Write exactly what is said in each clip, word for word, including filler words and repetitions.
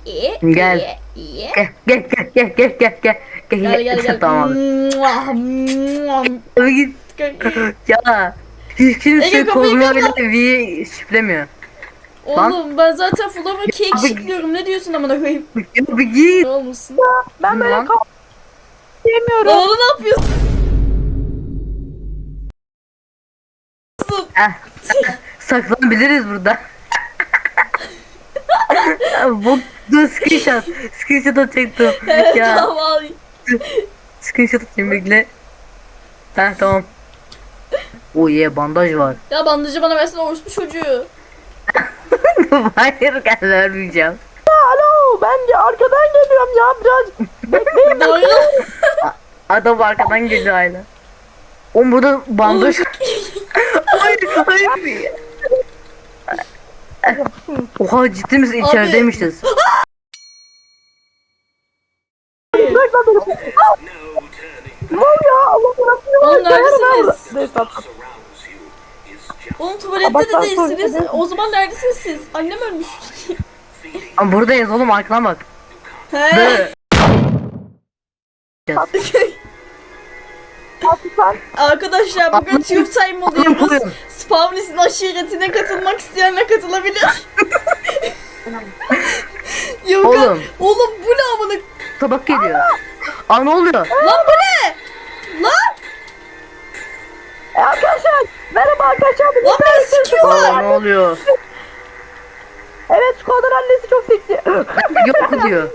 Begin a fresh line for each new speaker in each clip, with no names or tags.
Gel. Gel gel gel gel gel gel gel.
Gel gel gel.
Tamam.
Muah, muah.
Abi git. Ya. Hiç kimse
Ege, kapıyı
koluma
kapat.
bile V şiflemiyor.
Oğlum ben zaten Flower Cake
Abi-
şıklıyorum. Ne diyorsun amına koyayım?
Ya bir git.
Ne olmuşsun?
Ben böyle
Lan.
kal diyemiyorum.
Lan oğlum ne yapıyorsun?
Eh, saklanabiliriz burada. Bu dur screenshot. Screenshot atacaktım.
Evet
Ya
tamam al.
screenshot atayım bekle. Heh tamam. Oh yeah bandaj var.
Ya bandajı bana versene orospu çocuğu.
Hayır gel vermeyeceğim.
Alo ben de arkadan geliyorum ya biraz bekleyin.
Doğru.
Adam arkadan geliyor hala. Oğlum burada bandaj. hayır hayır. Oha ciddi misin
Abi.
içerideymişiz.
Ne oluyor Allah bırakıyor.
Oğlum neredesiniz?
Neyse tamam.
Oğlum tuvalette
Bak,
de
ben
değilsiniz.
tuvalette
O zaman neredesiniz siz? Annem ölmüş.
Ama buradayız oğlum arkana bak.
He.
Böyle.
Sen
Arkadaşlar bugün
Anladım.
Tube Time oluyoruz.
Yapıyorum.
Spavnis'in aşiretine katılmak isteyenler katılabilir. Yok
Oğlum.
Oğlum bu ne amına?
Tabak geliyor. Aa ne oluyor?
Lan bu ne? Lan
e, arkadaşlar merhaba arkadaşlar. Bugün
lan beni
dersim-
sikiyorlar.
Aa ne oluyor?
Evet Skoda'nın annesi çok seksi.
Yok diyor.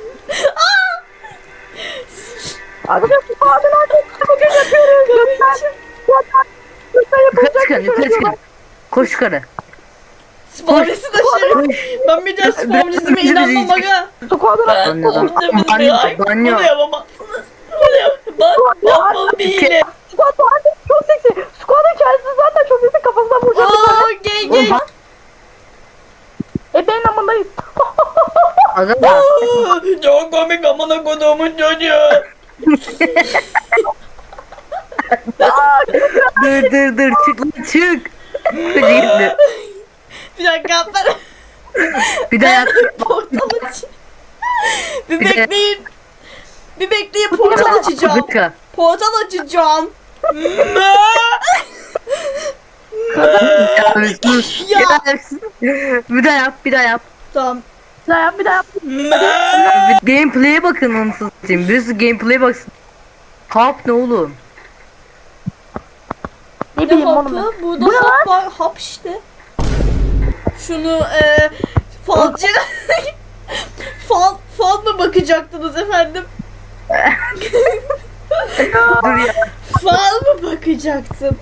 Arkadaşlar Skoda'nın annesi bugün yapıyoruz. Lütfen. Lütfen. Lütfen
Yukarı
yapılacak
çıkın
bir şey
yukarı
yok.
çıkın. Koş yukarı.
Spavnis'in aşireti.
Koş.
Ben bir daha Spavnis'ime
Biraz-
inanmam aga.
Skoda'nın annesi.
Banyodan.
Oğlum demedim
Banyo.
ya.
Banyo.
Bunu yapamazsınız. Bunu yap. Bak bak bak bir hile.
Skoda'nın annesi çok seksi. Skoda'nın kendisi zaten çok seksi kafasına vuracak.
Aa gay
Oğlum
gay.
bak.
E benim amındayız.
Aga.
Aa, çok komik amına koduğumun çocuğu.
Dur dur dur çık lan çık. Koca gitti.
Bir dakika ben.
Bir daha yap.
Portal aç. Bir
Bir de-
bekleyin. Bir bekleyin portal açacağım.
Dakika.
Portal açacağım.
Ya bir sus.
Ya.
Ya. Bir daha yap bir daha yap.
Tamam.
Bir daha yap bir daha yap.
Bir gameplay'e bakın onu satayım. Birisi gameplay'e baksın. Hap ne oğlum?
Ne
Ne
bileyim oğlum.
hapı?
ben.
Burada
Bu ne lan?
hap var. Hap işte. Şunu eee falcı. fal, fal mı bakacaktınız efendim?
Dur ya.
Fal mı bakacaktın?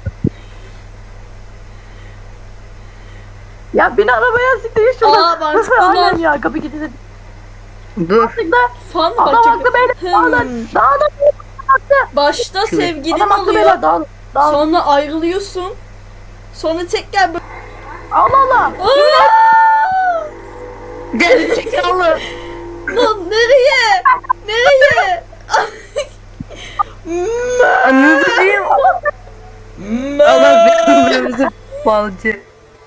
Ya beni arabaya siktir şuradan.
Aa, mantıklı
Aynen
lan.
ya kapı kilitli.
Dur.
Mantıklı.
Fal mı
Adam
bakacaktın?
haklı beyler. Daha da
Hmm.
daha da haklı.
Başta sevgilin
Adam haklı
oluyor.
beyler. Daha daha.
Sonra ayrılıyorsun. Sonra tekrar böyle...
Allah Allah.
Aa!
Gel çekalım.
Lan nereye? Nereye?
Anınızı diyeyim. Allah belanı falcı.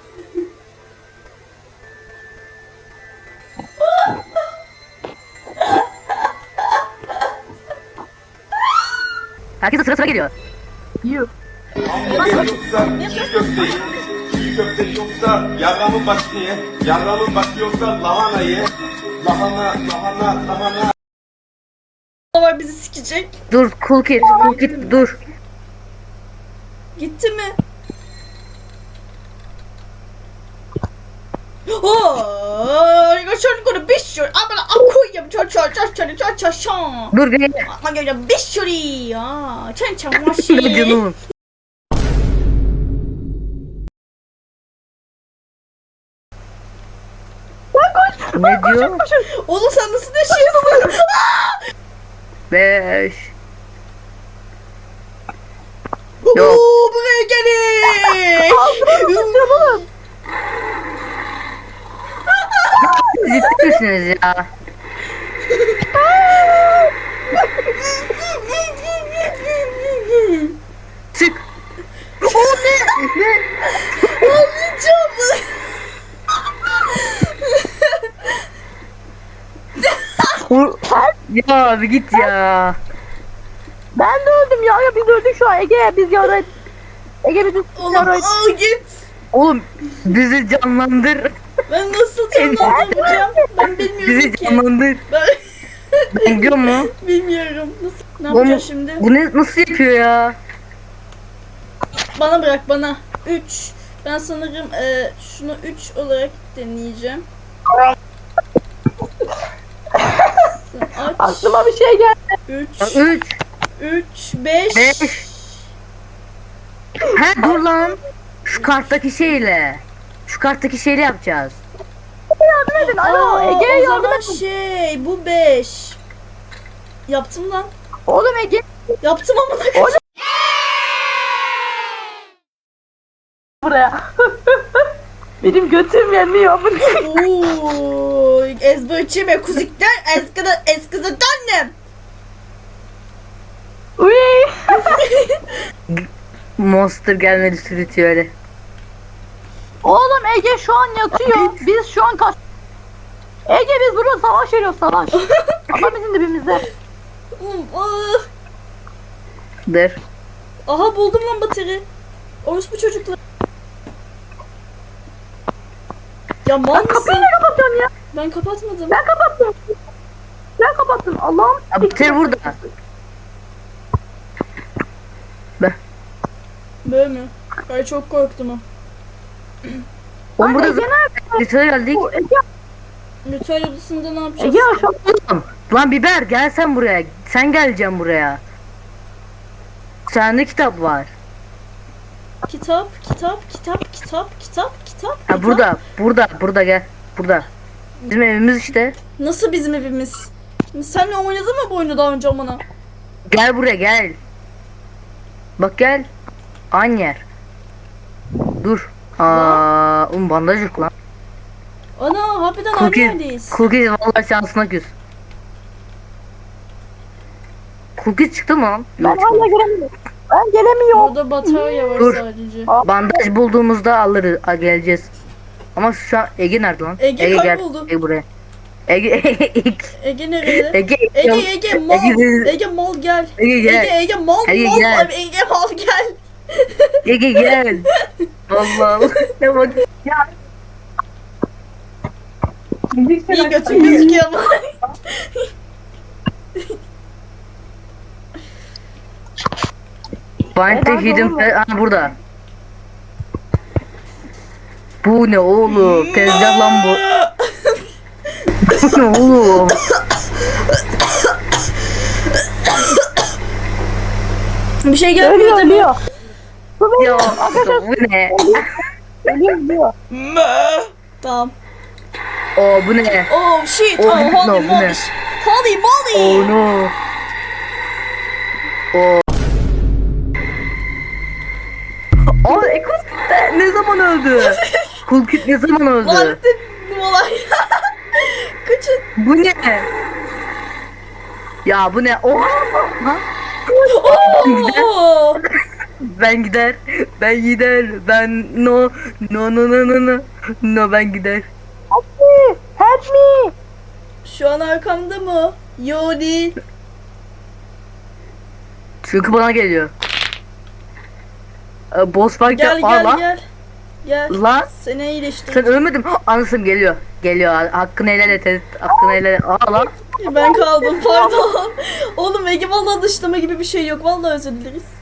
Herkese sıra sıra geliyor.
Yuh.
Yoksa çiğ köfte ye. Çiğ köfte yoksa yarramın başı ye. Yarramın başı yoksa lahana ye. Lahana, lahana, lahana.
var bizi sikecek.
Dur cool kid, cool kid dur.
Gitti mi? Oh, geçen günü bir sürü ama akuyum ço ço ço ço ço ço ço.
Dur gel.
Ama gördüm bir sürü ya. Çen çen
Ne
maşı.
canım. Ne diyor?
Oğlum sen nasıl yaşıyorsun?
Beş. Yok.
Oo, buraya gelin.
Ciddi misiniz ya? Çık. O ne? Ne?
Ağlayacağım.
Vur- Ya bir git ya.
Ben de öldüm ya. Ya biz öldük şu an. Ege biz yara. Ege biz
Oğlum
yara.
al git.
Oğlum bizi canlandır.
Ben nasıl canlandıracağım? Ben bilmiyorum
Bizi
ki.
canlandır.
Ben
Ben gidiyor mu?
bilmiyorum. Nasıl? Ne
Oğlum,
yapacağız şimdi?
Bu ne nasıl yapıyor ya?
Bana bırak bana. üç. Ben sanırım e, şunu üç olarak deneyeceğim. Aç.
Aklıma bir şey geldi.
üç.
Üç.
üç. beş.
Beş. He dur lan. Şu karttaki şeyle. Şu karttaki şeyle yapacağız.
Yardım edin. Alo
Aa,
Ege
o
yardım
zaman
edin.
şey bu beş. Yaptım lan.
Oğlum Ege.
Yaptım amına koyayım.
Buraya. Benim götüm yemiyor.
Oo, ezberçime kuzikten eskiden eskiden annem.
Uy.
Monster gelmedi sürütüyor öyle.
Oğlum Ege şu an yatıyor. Biz şu an kaç... Ege biz burada savaş veriyoruz savaş. Ama bizim dibimizde.
Oğlum, ah.
Dur.
Aha buldum lan bateri. Orospu çocuklar. Ya mal
Kapıyı
mısın?
ne kapatıyorsun ya?
Ben kapatmadım.
Ben kapattım. Ben kapattım. Allah'ım.
Ya bitir burada. Be.
Böyle mi? Ay çok korktum ha.
Oğlum burada
Ege nerede?
Lütfen geldik.
Bu Ege,
Ritüel odasında ne yapacağız?
Ege aşağı.
Oğlum, lan biber gel sen buraya. Sen geleceksin buraya. Sende kitap var.
Kitap, kitap, kitap, kitap, kitap, kitap.
Ha
kitap.
burada, burada, burada gel. Burada. Bizim evimiz işte.
Nasıl bizim evimiz? Senle oynadın mı bu oyunu daha önce bana?
Gel buraya gel. Bak gel. Aynı yer. Dur. Aa, um bandaj yok lan.
Ana harbiden aynı
Cookies,
yerdeyiz.
Cookies vallahi şansına küs. Cookies çıktı mı lan?
Ben
Yok
hala
çıkmadı.
gelemiyorum. Ben gelemiyorum.
Orada batarya var
Dur.
sadece.
Bandaj bulduğumuzda alırız, a, geleceğiz. Ama şu an Ege nerede lan?
Ege
gel.
kayboldu.
Ege buraya. Ege Ege
Ege nerede?
Ege
Ege Ege mal.
Ege,
Ege mal gel.
Ege gel.
Ege Ege mal
Ege
mal.
gel.
Abi, Ege mal gel.
Ege gel. Allah Allah. Ne bak. Ya.
İyi götün gözüküyor ama.
Find the
Neden
hidden
doğru?
pe- ha burada. Bu ne oğlum? Tezgah lan bu. Bu ne oğlum?
Bir şey gelmiyor
Ölüyor
değil mi?
ölüyor. Bu
Ya
benim.
bu ne?
Ölüyor ölüyor.
Tamam.
O bu ne?
Oh shit.
Oh,
Oh,
no,
holy
bu ne?
moly. Holy moly.
Oh no. O. Aa Ekos ne zaman öldü? Kulkit ne zaman öldü?
Lanet olay. Kaçın.
Bu ne? Ya bu ne? Oha! Ha?
Oo.
Ben gider, ben gider, ben no, no no no no no, no ben gider.
Help me. Help me.
Şu an arkamda mı? Yo değil.
Çünkü bana geliyor. Ee, boss fight
Gel
Aa,
gel
lan.
gel. Gel.
Lan
Seni iyileştir.
sen ölmedin. Anasım geliyor. Geliyor. Hakkını helal et. et, Hakkını helal et. Aa lan.
Ben kaldım pardon. Oğlum Ege vallahi dışlama gibi bir şey yok. Vallahi özür dileriz.